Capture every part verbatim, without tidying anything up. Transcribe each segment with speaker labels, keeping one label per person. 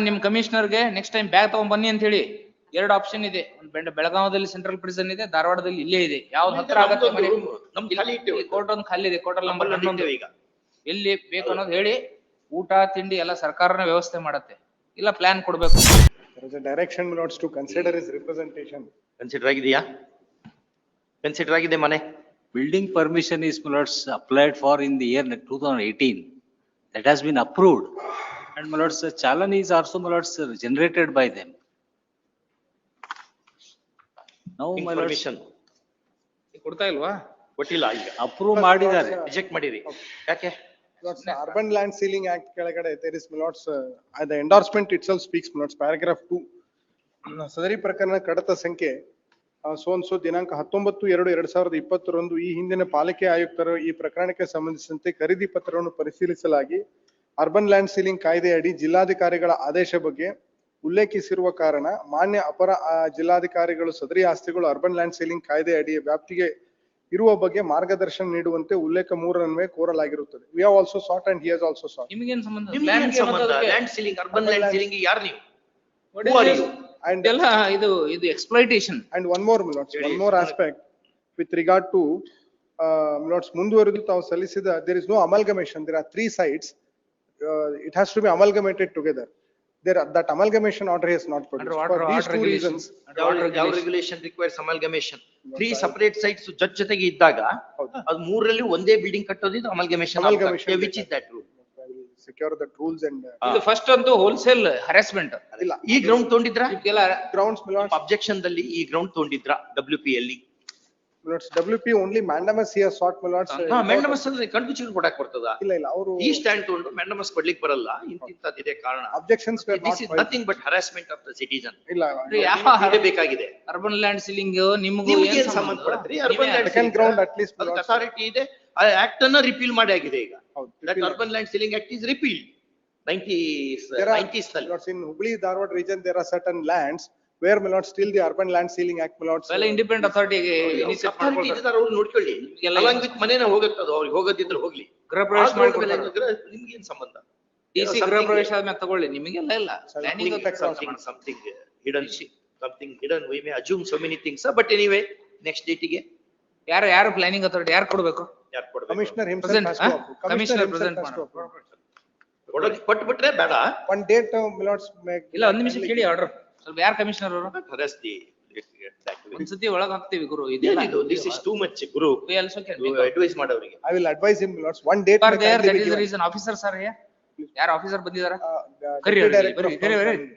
Speaker 1: ನಿಮ್ ಕಮಿಷನರ್ ಗೆ next time bag ತಗೊಂಡ್ ಬನ್ನಿ ಅಂತ ಹೇಳಿ. ಎರಡು ಆಪ್ಷನ್ ಇದೆ, ಒಂದು ಬೆಳಗಾವದಲ್ಲಿ ಸೆಂಟ್ರಲ್ ಪ್ರಿಸನ್ ಇದೆ, ಧಾರವಾಡದಲ್ಲಿ ಇಲ್ಲೇ ಇದೆ. ಯಾವ್ದು ಹತ್ರ ಆಗತ್ತೆ ಮನೆ? ಕೋರ್ಟ್ ಒಂದು ಖಾಲಿ ಇದೆ, ಕೋರ್ಟ್ ನಂಬರ್ ಹನ್ನೊಂದು. ಈಗ ಎಲ್ಲಿ ಬೇಕು ಅನ್ನೋದು ಹೇಳಿ. ಊಟ ತಿಂಡಿ ಎಲ್ಲ ಸರ್ಕಾರನ ವ್ಯವಸ್ಥೆ ಮಾಡತ್ತೆ, ಇಲ್ಲ ಪ್ಲಾನ್ ಕೊಡ್ಬೇಕು.
Speaker 2: Direction notes to consider his representation.
Speaker 3: Consider ಆಗಿದೆಯಾ? ಕನ್ಸಿಡರ್ ಆಗಿದೆ ಮನೆ.
Speaker 4: Building permission is Milords applied for in the year two thousand eighteen. That has been approved. And Milords, the challan is also Milords generated by them. Now Milords
Speaker 3: permission
Speaker 1: ಕೊಡ್ತಾ ಇಲ್ವಾ?
Speaker 3: ಕೊಟ್ಟಿಲ್ಲ, ಈಗ
Speaker 4: approve ಮಾಡಿದ್ದಾರೆ.
Speaker 3: Reject ಮಾಡಿರಿ. ಯಾಕೆ?
Speaker 2: Milords, Urban Land Ceiling Act ಕೆಳಗಡೆ there is Milords, uh, the endorsement itself speaks Milords, paragraph two. ಸದರಿ ಪ್ರಕರಣ ಕಡತ ಸಂಖ್ಯೆ ಸೋನ್ಸೋ ದಿನಾಂಕ ಹತ್ತೊಂಬತ್ತು ಎರಡು ಎರಡ್ ಸಾವಿರದ ಇಪ್ಪತ್ತರಂದು ಈ ಹಿಂದಿನ ಪಾಲಿಕೆ ಆಯುಕ್ತರು ಈ ಪ್ರಕರಣಕ್ಕೆ ಸಂಬಂಧಿಸಿದಂತೆ ಖರೀದಿ ಪತ್ರವನ್ನು ಪರಿಶೀಲಿಸಲಾಗಿ ಅರ್ಬನ್ ಲ್ಯಾಂಡ್ ಸೀಲಿಂಗ್ ಕಾಯ್ದೆಯಡಿ ಜಿಲ್ಲಾಧಿಕಾರಿಗಳ ಆದೇಶ ಬಗ್ಗೆ ಉಲ್ಲೇಖಿಸಿರುವ ಕಾರಣ ಮಾನ್ಯ ಅಪರ ಜಿಲ್ಲಾಧಿಕಾರಿಗಳು ಸದರಿ ಆಸ್ತಿಗಳು ಅರ್ಬನ್ ಲ್ಯಾಂಡ್ ಸೀಲಿಂಗ್ ಕಾಯ್ದೆ ಅಡಿ ವ್ಯಾಪ್ತಿಗೆ ಇರುವ ಬಗ್ಗೆ ಮಾರ್ಗದರ್ಶನ ನೀಡುವಂತೆ ಉಲ್ಲೇಖ ಮೂರನ್ವೇ ಕೋರಲಾಗಿರುತ್ತದೆ. We have also sought and he has also sought.
Speaker 1: ನಿಮಗೇನ್ ಸಂಬಂಧ?
Speaker 3: ನಿಮ್ಗೇನ್ ಸಂಬಂಧ? Land ceiling, urban land ceiling ಯಾರು ನೀವು? Who are you?
Speaker 2: And
Speaker 1: ಎಲ್ಲ ಇದು ಇದು exploitation.
Speaker 2: and one more Milords, one more aspect with regard to uh, Milords ಮುಂದುವರೆದು ತಾವು ಸಲ್ಲಿಸಿದ there is no amalgamation, there are three sites, uh, it has to be amalgamated together. There are, that amalgamation order is not produced for these two reasons.
Speaker 3: ಯಾವ regulation requires amalgamation? Three separate sites ಜೊತೆ ಜೊತೆಗೆ ಇದ್ದಾಗ ಅದು ಮೂರರಲ್ಲಿ ಒಂದೇ building ಕಟ್ಟೋದು amalgamation.
Speaker 2: Amalgamation.
Speaker 3: Which is that rule?
Speaker 2: Secure the rules and uh,
Speaker 1: ಇದು first ಅಂತೂ ಹೋಲ್ಸೇಲ್ ಹರಾಸ್ಮೆಂಟ್.
Speaker 2: ಇಲ್ಲ
Speaker 3: ಈ ಗ್ರೌಂಡ್ ತಗೊಂಡಿದ್ರಾ?
Speaker 1: ಇದಕ್ಕೆಲ್ಲ
Speaker 2: grounds Milords,
Speaker 3: ಅಬ್ಜೆಕ್ಷನ್ ದಲ್ಲಿ ಈ ಗ್ರೌಂಡ್ ತಗೊಂಡಿದ್ರಾ ಡಬ್ಲ್ಯೂ ಪಿ ಅಲ್ಲಿ?
Speaker 2: Milords, W P only mandamus he has sought Milords. uh,
Speaker 3: mandamus ಅಂದ್ರೆ ಕಣ್ಮುಚ್ಚಿ ಕೊಡಕ್ ಬರ್ತದ?
Speaker 2: ಇಲ್ಲ ಇಲ್ಲ ಅವರು
Speaker 3: ಈ ಸ್ಟ್ಯಾಂಡ್ ತಗೊಂಡು ಮೆಂಡಮಸ್ ಕೊಡ್ಲಿಕ್ಕೆ ಬರಲ್ಲ, ಇಂತಿಂತದಿದೆ ಕಾರಣ.
Speaker 2: objections were not
Speaker 3: this is
Speaker 2: filed.
Speaker 3: Nothing but harassment of the citizen.
Speaker 2: ಇಲ್ಲ
Speaker 3: ಬೇಕಾಗಿದೆ.
Speaker 1: ಅರ್ಬನ್ ಲ್ಯಾಂಡ್ ಸೀಲಿಂಗ್ ನಿಮಗೂ
Speaker 3: ನಿಮ್ಗೆ
Speaker 1: ಏನ್
Speaker 3: ಏನ್ ಸಂಬಂಧ
Speaker 1: ಸಂಬಂಧ?
Speaker 3: ಪಡುತ್ತೆ? Urban land
Speaker 2: second ground at least Milords.
Speaker 3: Authority ಇದೆ, ಆ ಆಕ್ಟ್ ಅನ್ನ ರಿಪೀಲ್ ಮಾಡಿ ಆಗಿದೆ ಈಗ.
Speaker 2: ಹೌದು,
Speaker 3: that
Speaker 2: repeal.
Speaker 3: Urban land ceiling act is repeal nineties
Speaker 2: There are,
Speaker 3: nineties ನಲ್ಲಿ.
Speaker 2: Milords, in Hubli Dharwad region there are certain lands where Milords still the Urban Land Ceiling Act Milords.
Speaker 1: ಎಲ್ಲ independent ಅಥಾರಿಟಿಗೆ initiate
Speaker 3: authority
Speaker 1: ಮಾಡ್ಕೊಳ್ತಾರೆ.
Speaker 3: ಇದ್ದಾರೆ, ಅವ್ರು ನೋಡ್ಕೊಳ್ಳಿ.
Speaker 1: ಎಲ್ಲ
Speaker 3: along with ಮನೇನ ಹೋಗುತ್ತದ, ಅವ್ರಿಗೆ ಹೋಗೋದಿದ್ರೆ ಹೋಗ್ಲಿ.
Speaker 1: ಗೃಹ ಪ್ರವೇಶ ಮಾಡ್ಕೊಳ್ತಾರೆ.
Speaker 3: ನಿಮ್ಗೆ ಏನ್ ಸಂಬಂಧ?
Speaker 1: ಡಿಸಿ ಗೃಹ ಪ್ರವೇಶ ಆದ್ಮೇಲೆ ತಗೊಳ್ಳಿ, ನಿಮಗೆಲ್ಲ ಇಲ್ಲ. Planning
Speaker 3: Something something hidden, something hidden. We may assume so many things, but anyway, next date ಗೆ
Speaker 1: ಯಾರು ಯಾರು ಪ್ಲಾನಿಂಗ್ ಅಥಾರಿಟಿ ಯಾರು ಕೊಡ್ಬೇಕು?
Speaker 3: ಯಾರು ಕೊಡ್ಬೇಕು?
Speaker 2: Commissioner himself
Speaker 1: Present,
Speaker 2: has to
Speaker 1: huh?
Speaker 2: approve.
Speaker 1: Commissioner
Speaker 2: Commissioner himself
Speaker 1: present
Speaker 2: has to
Speaker 1: ಮಾಡು.
Speaker 2: approve.
Speaker 3: ಕೊಡೋಕೆ ಕೊಟ್ಬಿಟ್ರೆ ಬೇಡ.
Speaker 2: One date uh, Milords make.
Speaker 1: ಇಲ್ಲ ಒಂದ್ ನಿಮಿಷ ಕೇಳಿ ಆರ್ಡರ್. ಸ್ವಲ್ಪ ಯಾರು ಕಮಿಷನರ್ ಅವರು?
Speaker 3: Harass the
Speaker 1: ಒಂದ್ಸತಿ ಒಳಗ್ ಹಾಕ್ತಿವಿ ಗುರು. ಇದೆಲ್ಲ
Speaker 3: ಇದು ದಿಸ್ ಇಸ್ ಟೂ ಮಚ್ ಗುರು.
Speaker 1: we also can
Speaker 3: ಅಡ್ವೈಸ್ ಮಾಡೋರಿಗೆ.
Speaker 2: I will advise him Milords, one date.
Speaker 1: for
Speaker 2: may
Speaker 1: there
Speaker 2: kindly
Speaker 1: that
Speaker 2: be
Speaker 1: is the
Speaker 2: given.
Speaker 1: reason officer sir here. ಯಾರು ಆಫೀಸರ್ ಬಂದಿದಾರ?
Speaker 2: Uh, the
Speaker 1: ಕರಿ
Speaker 2: Deputy
Speaker 1: ಅವ್ರಿಗೆ,
Speaker 2: Director
Speaker 1: ಬರ್ರಿ,
Speaker 2: of
Speaker 1: ಕರಿ,
Speaker 2: Town
Speaker 1: ಬರ್ರಿ.
Speaker 2: Planning.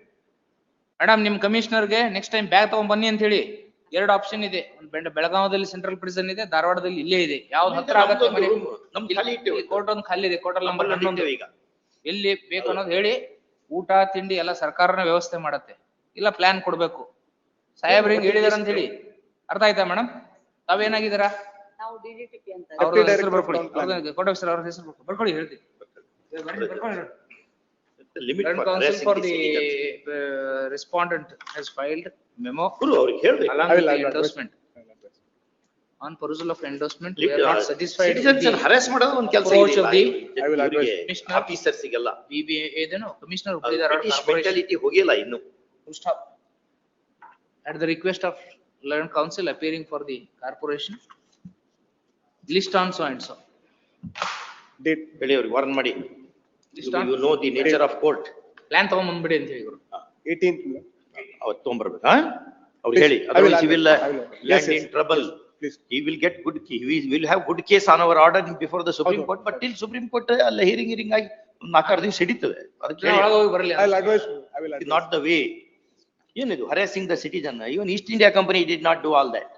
Speaker 1: Madam ನಿಮ್ commissioner ಗೆ ನೆಕ್ಸ್ಟ್ ಟೈಮ್ ಬ್ಯಾಗ್ ತಗೊಂಡ್ ಬನ್ನಿ ಅಂತ ಹೇಳಿ. ಎರಡು ಆಪ್ಷನ್ ಇದೆ, ಒಂದು ಬೆಳಗಾವದಲ್ಲಿ ಸೆಂಟ್ರಲ್ ಪ್ರಿಸನ್ ಇದೆ, ಧಾರವಾಡದಲ್ಲಿ ಇಲ್ಲೇ ಇದೆ. ಯಾವ್ದು ಹತ್ರ ಆಗತ್ತೆ ಮನೆ?
Speaker 3: ನಮ್ದು ಖಾಲಿ ಇಟ್ಟೇವೆ.
Speaker 1: ಕೋರ್ಟ್ ಒಂದು ಖಾಲಿ ಇದೆ, ಕೋರ್ಟ್ ನಂಬರ್ ಹನ್ನೊಂದು.
Speaker 3: ಈಗ
Speaker 1: ಎಲ್ಲಿ ಬೇಕು ಅನ್ನೋದು ಹೇಳಿ. ಊಟ ತಿಂಡಿ ಎಲ್ಲ ಸರ್ಕಾರನ ವ್ಯವಸ್ಥೆ ಮಾಡತ್ತೆ, ಇಲ್ಲ ಪ್ಲಾನ್ ಕೊಡ್ಬೇಕು. ಸಾಹೇಬ್ರ ಹಿಂಗ್ ಹೇಳಿದಾರ ಅಂತ ಹೇಳಿ ಅರ್ಥ ಆಯ್ತಾ ಮೇಡಮ್? ತಾವೇನಾಗಿದ್ದೀರಾ?
Speaker 5: ನಾವು ಡಿ ಡಿ ಟಿ ಪಿ ಅಂತ.
Speaker 1: ಅವ್ರ
Speaker 2: Deputy
Speaker 1: ಹೆಸರು
Speaker 2: Director of
Speaker 1: ಬರ್ಕೊಳ್ಳಿ,
Speaker 2: Town Planning.
Speaker 1: ಅವ್ರ ಕೋರ್ಟ್ ಆಫೀಸರ್ ಅವ್ರ ಹೆಸರು ಬರ್ಕೊಳ್ಳಿ, ಬರ್ಕೊಳ್ಳಿ ಹೇಳ್ತಿ.
Speaker 3: Limit
Speaker 1: Land Council for the uh, respondent has filed memo
Speaker 3: ಗುರು ಅವ್ರಿಗೆ ಹೇಳ್ಬೇಕು.
Speaker 1: along
Speaker 2: I
Speaker 1: with
Speaker 2: will
Speaker 1: the
Speaker 2: advise.
Speaker 1: endorsement. On perusal of endorsement, we are not satisfied with
Speaker 3: citizens
Speaker 1: the
Speaker 3: harass ಮಾಡೋದು ಒಂದು ಕೆಲಸ
Speaker 1: approach of the
Speaker 2: I will advise.
Speaker 3: Officer ಸಿಗಲ್ಲ.
Speaker 1: B B A, ಇದೇನು Commissioner Hubli Dharwad
Speaker 3: British
Speaker 1: Corporation.
Speaker 3: Mentality ಹೋಗಿಲ್ಲ ಇನ್ನು.
Speaker 1: Full stop. At the request of Land Council appearing for the corporation, list on so and so.
Speaker 2: Date.
Speaker 3: ಹೇಳಿ ಅವ್ರಿಗೆ warn ಮಾಡಿ.
Speaker 1: List on,
Speaker 3: you know the nature of court.
Speaker 1: plan ತಗೊಂಡ್ ಬಂದ್ಬಿಡಿ ಅಂತ ಹೇಳಿ ಗುರು.
Speaker 2: eighteenth Milords.
Speaker 3: ಅವತ್ತು ತಗೊಂಡ್ಬರ್ಬೇಕಾ? ಅವ್ರಿಗೆ ಹೇಳಿ.
Speaker 2: I will
Speaker 3: Otherwise he will uh,
Speaker 2: I will. Yes,
Speaker 3: land
Speaker 2: yes.
Speaker 3: in trouble.
Speaker 2: Please.
Speaker 3: He will get good, he will have good case on our order before the Supreme
Speaker 2: ಹೌದು.
Speaker 3: Court, but till Supreme Court ಅಲ್ಲ hearing hearing ಆಗಿ ಒಂದು ನಾಲ್ಕಾರು ದಿವಸ ಹಿಡಿತದೆ. ಅದಕ್ಕೆ
Speaker 1: ಒಳಗೆ ಹೋಗಿ ಬರಲಿ.
Speaker 2: I will advise, I will advise.
Speaker 3: not the way. ಏನಿದು harassing the citizen? Even East India Company did not do all that.